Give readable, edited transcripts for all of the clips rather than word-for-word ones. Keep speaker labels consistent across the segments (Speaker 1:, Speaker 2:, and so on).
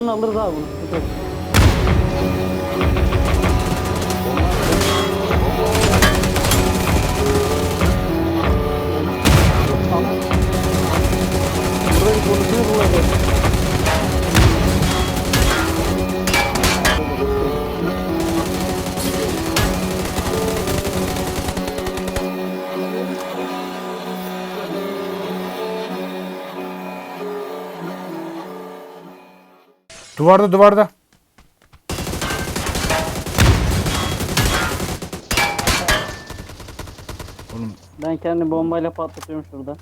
Speaker 1: Alırız abi bunu. Burayı konusunu bulacağız.
Speaker 2: Duvarda. Oğlum
Speaker 1: Ben kendi bombayla patlatıyorum şurada.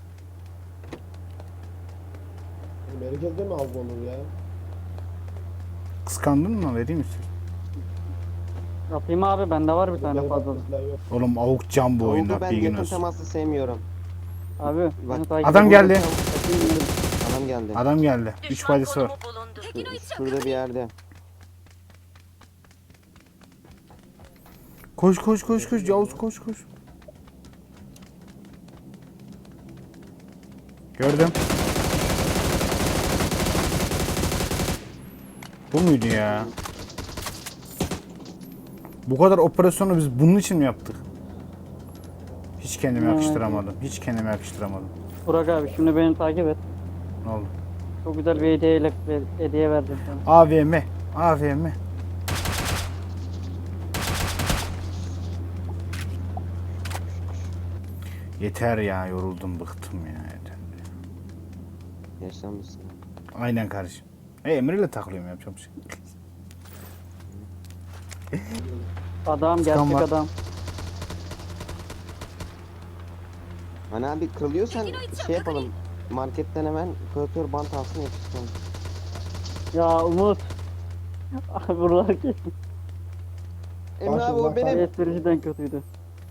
Speaker 3: Merkezde mi av olur ya?
Speaker 2: kıskandın mı? Vereyim istiyorsan.
Speaker 1: Atayım abi, bende var bir tane fazla.
Speaker 2: Oğlum avuk can bu oyunda.
Speaker 4: Oldu, ben
Speaker 2: Bilgin
Speaker 4: yakın
Speaker 2: olsun.
Speaker 4: teması sevmiyorum.
Speaker 1: Abi
Speaker 4: Bak,
Speaker 1: beni takip
Speaker 2: Adam
Speaker 1: edin.
Speaker 2: geldi.
Speaker 4: Adam geldi.
Speaker 2: Adam geldi. 3 faydası var.
Speaker 4: Şurada bir yerde.
Speaker 2: Koş. Yavuz koş. Gördüm. Bu muydu ya? Bu kadar operasyonu biz bunun için mi yaptık? Hiç kendime
Speaker 1: Evet.
Speaker 2: yakıştıramadım.
Speaker 1: Burak abi şimdi beni takip et.
Speaker 2: Ne oldu?
Speaker 1: Çok güzel bir hediye verdim sana.
Speaker 2: AVM. Yeter ya, yoruldum, bıktım ya. Yeter.
Speaker 4: Yaşlanmışsın.
Speaker 2: Aynen kardeşim. Emre'yle takılıyorum, yapacağım bir şey.
Speaker 1: Adam,
Speaker 2: Çıkan
Speaker 1: gerçek
Speaker 2: var.
Speaker 1: adam.
Speaker 4: Hani abi kırılıyorsan şey yapalım. Marketten hemen kuratör bant alsın yapıştıralım.
Speaker 1: Ya Umut. Abi buralar ki.
Speaker 4: Emre abi o benim.
Speaker 1: Espriciden kötüydü.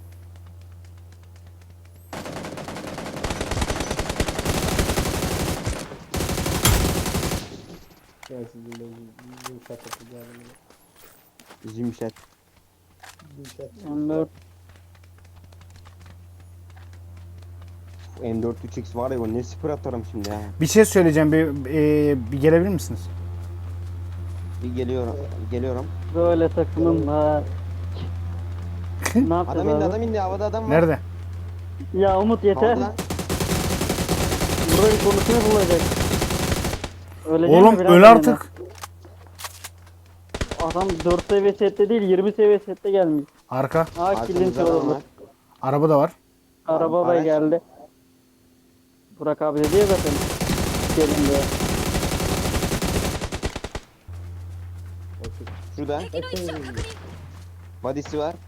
Speaker 3: Ben sizinle yumuşak yapacağım.
Speaker 4: Zümşet.
Speaker 3: Yumuşak.
Speaker 1: M4
Speaker 4: M4 3X var ya, o ne sıfır atarım şimdi ya.
Speaker 2: Bir şey söyleyeceğim, bir gelebilir misiniz?
Speaker 4: Bir geliyorum.
Speaker 1: böyle takımım var. Ne yapacağız
Speaker 4: Adam
Speaker 1: abi?
Speaker 4: indi havada adam var.
Speaker 2: Nerede?
Speaker 1: Ya Umut yeter.
Speaker 4: Havada.
Speaker 1: Burayı konusunu bulacak. Öleceğim
Speaker 2: Oğlum
Speaker 1: mi biraz
Speaker 2: öl
Speaker 1: sonra?
Speaker 2: artık.
Speaker 1: Adam 4 seviye sette değil 20 seviye sette gelmiş.
Speaker 2: Arka.
Speaker 1: Kilin
Speaker 4: Arkamızda adam
Speaker 1: çalındı.
Speaker 4: var.
Speaker 2: Araba da var.
Speaker 1: Araba da
Speaker 4: Araç.
Speaker 1: geldi. Burak abi dedi ya zaten. Gelin diye.
Speaker 4: Şurada. Body'si var.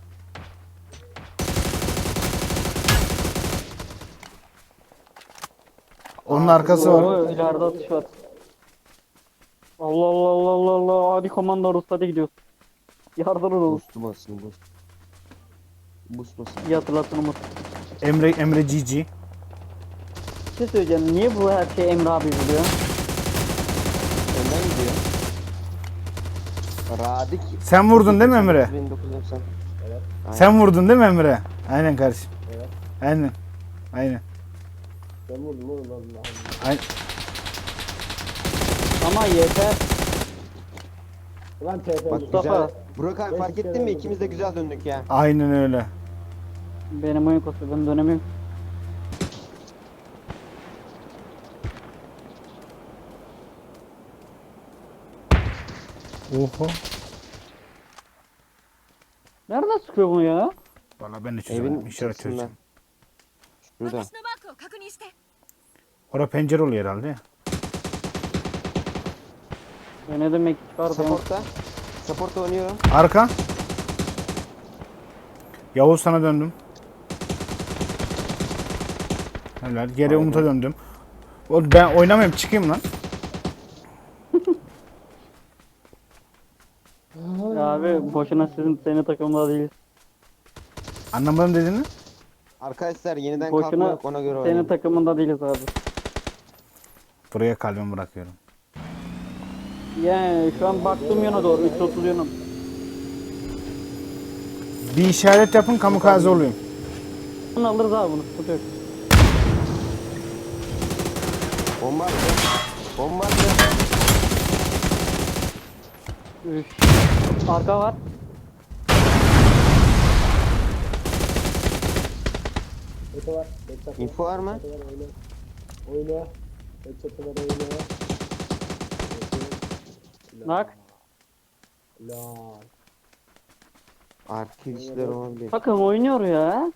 Speaker 2: Onun arkası var.
Speaker 1: Oo, ileride atış var. Allah. Hadi komandoros, hadi gidiyoruz. Yardım olun.
Speaker 4: Boost'u basın boost. Boost basın.
Speaker 1: İyi hatırlattın Umut.
Speaker 2: Emre GG.
Speaker 1: Bir şey söyleyeceğim. Niye bu her şey Emre abi buluyor?
Speaker 4: Önden gidiyor. Radik.
Speaker 2: Sen vurdun değil mi Emre?
Speaker 4: 1990.
Speaker 3: Evet.
Speaker 2: Sen vurdun değil mi Emre? Aynen kardeşim.
Speaker 3: Evet.
Speaker 2: Aynen.
Speaker 3: Ben vurdum oğlum Allah.
Speaker 2: Aynen.
Speaker 1: Ama yeter.
Speaker 3: Ulan TP.
Speaker 4: Bak
Speaker 1: Mustafa.
Speaker 4: güzel. Burak abi fark ettin mi? İkimiz de güzel döndük ya.
Speaker 2: Aynen öyle.
Speaker 1: Benim oyun kostu, ben dönemiyorum.
Speaker 2: Oho.
Speaker 1: Nereden sıkıyor bunu ya?
Speaker 2: Valla ben de çözemedim.
Speaker 4: Evin
Speaker 2: İşaret
Speaker 4: çatısından.
Speaker 2: çözeceğim.
Speaker 4: Şurada.
Speaker 5: 私のマークを確認して
Speaker 2: Orada pencere oluyor herhalde ya.
Speaker 1: Ne demek çıkardı?
Speaker 4: Support'ta. Support'ta oynuyorum.
Speaker 2: Arka. Yavuz sana döndüm. Helal. Geri Umut'a döndüm. Ben oynamıyorum, çıkayım lan.
Speaker 1: Ya abi boşuna senin takımda değiliz.
Speaker 2: Anlamadım dediğini.
Speaker 4: Arkadaşlar yeniden
Speaker 1: Boşuna
Speaker 4: kalkma yok, ona göre
Speaker 1: senin
Speaker 4: oynayın.
Speaker 1: takımında değiliz abi.
Speaker 2: Buraya kalbimi bırakıyorum.
Speaker 1: Yani şu an baktığım yana doğru 330 yanım.
Speaker 2: Bir işaret yapın, kamikaze olayım.
Speaker 1: Alırız abi bunu, sıkıntı yok.
Speaker 4: Bomba attı.
Speaker 1: Üf. Arka var.
Speaker 3: Öte var. Headshot
Speaker 4: Info var mı?
Speaker 3: Headshot var, oyna. Oyna. Headshot var, oyna.
Speaker 1: Nak.
Speaker 3: Laa.
Speaker 4: Arka kişiler olabilir.
Speaker 1: Takım oynuyor ya.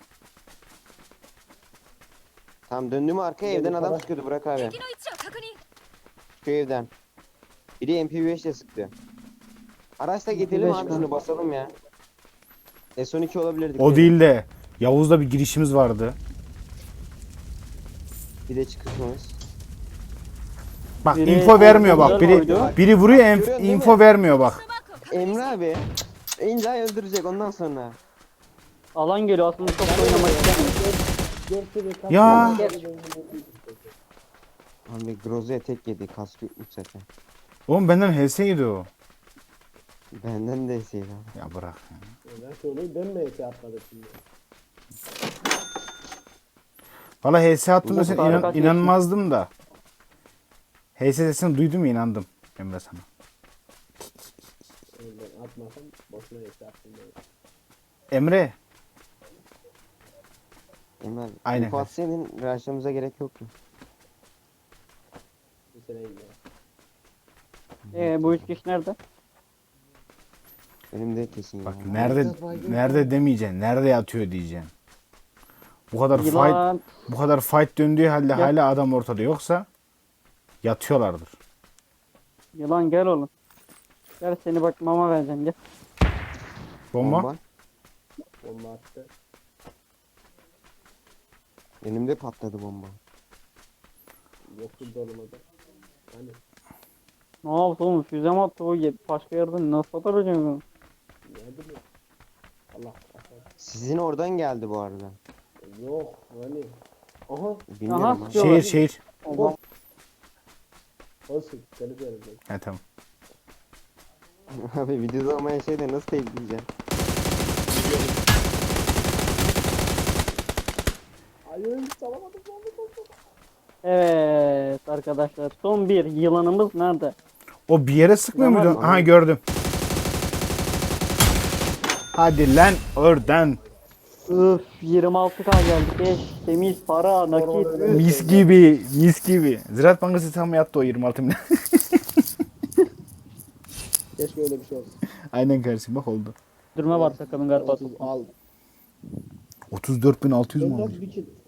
Speaker 4: Tamam döndüm arkaya evden adam sıkıyordu Burak abi.
Speaker 5: 敵の位置を確認
Speaker 4: Şu evden. Biri MP5 ile sıktı. Araçla getirelim
Speaker 1: MP5
Speaker 4: abi
Speaker 1: mi?
Speaker 4: şunu basalım ya. S12 olabilirdik.
Speaker 2: O değil de Yavuz'da bir girişimiz vardı.
Speaker 4: Bir de çıkışımız.
Speaker 2: Bak
Speaker 1: Biri
Speaker 2: info vermiyor bak.
Speaker 1: güzel oydu.
Speaker 2: Biri vuruyor
Speaker 4: Görüyorsun değil
Speaker 2: info
Speaker 4: mi?
Speaker 2: vermiyor bak.
Speaker 5: マークを確認
Speaker 4: Emre abi. İlla öldürecek ondan sonra.
Speaker 1: Alan geliyor aslında çok da oynamak istemiyor.
Speaker 3: Dörtte bir kaç
Speaker 2: Ya.
Speaker 3: tane
Speaker 4: Abi Grozo'ya tek yedi. Kaskı yokmuş zaten.
Speaker 2: Oğlum benden HS yedi o.
Speaker 4: Benden de eseydi abi.
Speaker 2: Ya bırak.
Speaker 3: Ben söyleyeyim ben mi ete atladım şimdi?
Speaker 2: Valla HS attığımda
Speaker 1: Bu
Speaker 2: sen
Speaker 1: kadar kaç
Speaker 2: inanmazdım da. HS sesini duydum inandım Emre sana.
Speaker 3: Ben atmasam boşuna ete attım ben.
Speaker 2: Emre.
Speaker 4: Emre abi.
Speaker 2: Aynen.
Speaker 4: Info atsaydın rushlamamıza gerek yoktu.
Speaker 3: Bir sene ya.
Speaker 1: Bu üç kişi nerede?
Speaker 4: Benim de kesin
Speaker 2: Bak
Speaker 4: ya.
Speaker 2: nerede demeyeceksin. Nerede yatıyor diyeceksin.
Speaker 1: Yılan.
Speaker 2: Bu kadar fight döndüğü halde hala adam ortada yoksa yatıyorlardır.
Speaker 1: Yılan gel oğlum. Gel seni bak mama vereceğim gel.
Speaker 2: Bomba.
Speaker 3: Bomba attı.
Speaker 4: Elimde patladı bomba.
Speaker 3: Yoktu dolmadı. Hani
Speaker 1: Ne yaptı oğlum füze mi attı o başka yerden nasıl atar hocam?
Speaker 3: nerede mi? Allah kahretsin.
Speaker 4: Sizin oradan geldi bu arada.
Speaker 3: Yok hani. Aha.
Speaker 4: Bilmiyorum
Speaker 1: Aha,
Speaker 4: ama.
Speaker 1: sıkıyor.
Speaker 2: Şehir.
Speaker 1: Allah.
Speaker 3: Olsun. Seni söyleyeceğim.
Speaker 2: He tamam.
Speaker 4: Abi videoda olmayan şeyde nasıl teypleyeceğim?
Speaker 3: Hayır salamadım.
Speaker 1: Evet arkadaşlar son bir yılanımız nerede?
Speaker 2: O bir yere sıkmıyor
Speaker 1: Yaman
Speaker 2: muydu?
Speaker 1: mı?
Speaker 2: Aha gördüm. Hadi lan oradan.
Speaker 1: Öf 26k geldi. Eş, temiz, para, nakit. Üf.
Speaker 2: Mis gibi, mis gibi. Ziraat Bankası tam yattı o 26 milyon.
Speaker 3: Keşke öyle bir şey olsun.
Speaker 2: Aynen kardeşim bak oldu.
Speaker 1: Dürme var takımın galiba.
Speaker 3: Al.
Speaker 2: 34.600 mu
Speaker 3: Dön
Speaker 2: olmuş?
Speaker 3: bir kill.